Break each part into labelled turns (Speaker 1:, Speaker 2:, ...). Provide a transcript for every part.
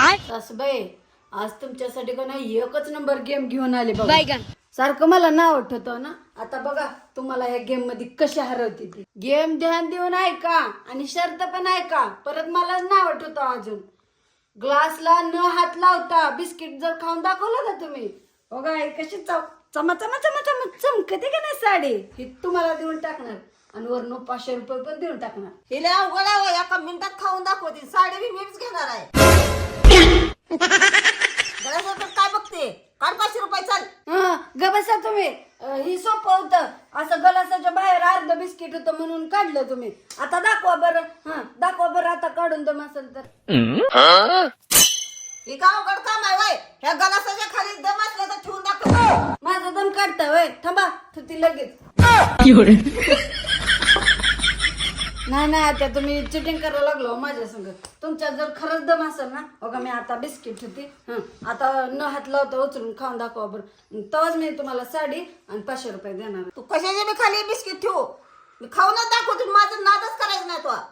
Speaker 1: सासूबाई आज तुमच्यासाठी का नाही एकच नंबर गेम घेऊन आले बघा. सारखं मला नाव आठवतं ना. आता बघा तुम्हाला या गेम मध्ये कशी हरवते ती. गेम ध्यान देऊन ऐका आणि शर्त पण ऐका. परत मला नाव आठवतं अजून. ग्लासला न हात लावता बिस्किट जर खाऊन दाखवलं ना तुम्ही, बघा हे कशी चमा चमा चमा चमा चमकते का नाही साडी, ही तुम्हाला देऊन टाकणार आणि वरनं 500 रुपये पण देऊन टाकणार.
Speaker 2: हिला अवघड आहे, एका मिनिटात खाऊन दाखवते. साडी बी मीच घेणार आहे. गळ्यासारखं काय बघते? काढ 500 रुपये. चाल
Speaker 1: ग बसा तुम्ही. ही सोपं होतं. असं गलासाच्या बाहेर अर्ध बिस्किट होतं म्हणून काढलं तुम्ही. आता दाखवा बरं. दाखवा बरं आता काढून दम असेल तर.
Speaker 2: ही का अवघड काम आहे वय? ह्या गलासाच्या खाली दम असला तर ठेवून दाखव.
Speaker 1: माझा दम काढता वय. थांबा ती लगेच. नाही आता तुम्ही चिटिंग करायला लागलो माझ्या संग. तुमच्यात जर खरंच दम असेल ना, बघा मी आता बिस्किट होती. आता न हात लावता उचलून खाऊन दाखवा बरं. तेव्हाच मी तुम्हाला साडी आणि 500 रुपये देणार.
Speaker 2: तू कशाचे मी खाली बिस्किट ठेवू? मी खाऊनच दाखवते. माझं नादच करायचं नाही तो.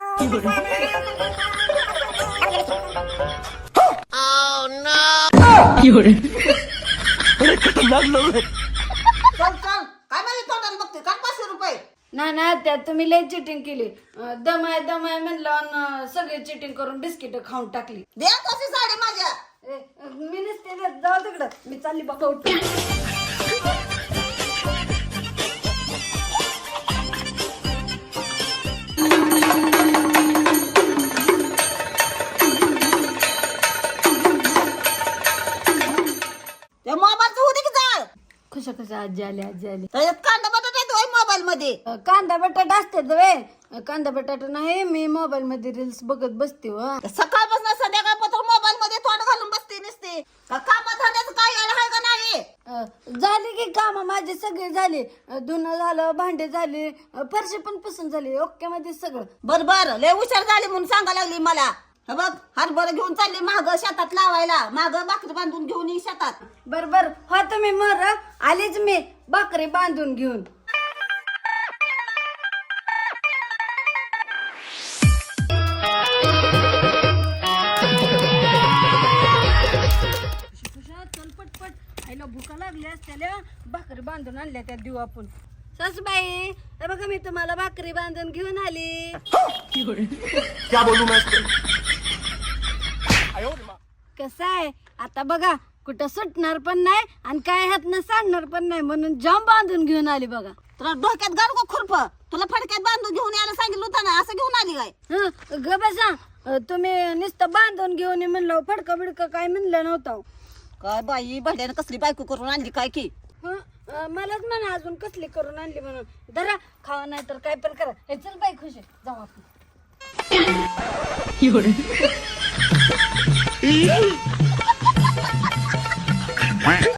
Speaker 2: चल चल, काय माझ्या तोंडाला बघते? काढ 500 रुपये.
Speaker 1: नाही त्यात तुम्ही लय चिटिंग केली. दम आहे म्हणलं आणि सगळी चिटिंग करून बिस्किट खाऊन टाकली.
Speaker 2: दे कशी साडी माझ्या.
Speaker 1: मी नसते देत. जाऊ तिकडं. मी चालली बघा उठून.
Speaker 2: त्या मोबाईलचं होते की जाळ.
Speaker 1: कशा आजी आली.
Speaker 2: त्याच्यात कांदा बटाटा येतोय मोबाईल मध्ये.
Speaker 1: कांदा बटाटा असतात वे. कांदा बटाटा नाही, मी मोबाईल मध्ये रील्स बघत बसते.
Speaker 2: सकाळपासून संध्याकाळपासून मोबाईल मध्ये तोंड घालून बसते नसते. कामात धंद्याचं काय आहे का नाही?
Speaker 1: झाली की काम माझे सगळे झाले. धुणं झालं, भांडे झाले, फरशी पण पसंत झाली. ओके मध्ये सगळं.
Speaker 2: बर लय हुशार झाली म्हणून सांगायला लागली मला. हे बघ हरभरा घेऊन चालली माग शेतात लावायला. माग भाकरी बांधून घेऊन ये शेतात.
Speaker 1: बर हो तुम्ही मर. आलीच मी भाकरी बांधून घेऊन. चल पटपट. आईला भुका लागल्या त्याला भाकरी बांधून आणल्या त्या देऊ आपण. सासूबाई हे बघा मी तुम्हाला भाकरी बांधून घेऊन आली.
Speaker 3: क्या बोलू मैं इसको?
Speaker 1: कसं आहे आता बघा, कुठं सुटणार पण नाही आणि काय हातनं सांडणार पण नाही म्हणून जाम बांधून घेऊन आली बघा.
Speaker 2: तुला डोक्यात घालू का खुरप? तुला फडक्यात बांधून घेऊन यायला सांगितलं होतं ना, असं घेऊन आली काय?
Speaker 1: ग बसा. तुम्ही नुसतं बांधून घेऊन ये म्हणलं, फडका बिडका काय म्हणलं नव्हतं.
Speaker 2: काय बाई भाड्यानं कसली बायको करून आणली काय की?
Speaker 1: मलाच म्हणा अजून कसली करून आणली म्हणून. धरा खावा नाही तर काय पण करा. हे चल बाई खुशी जाऊ आपण.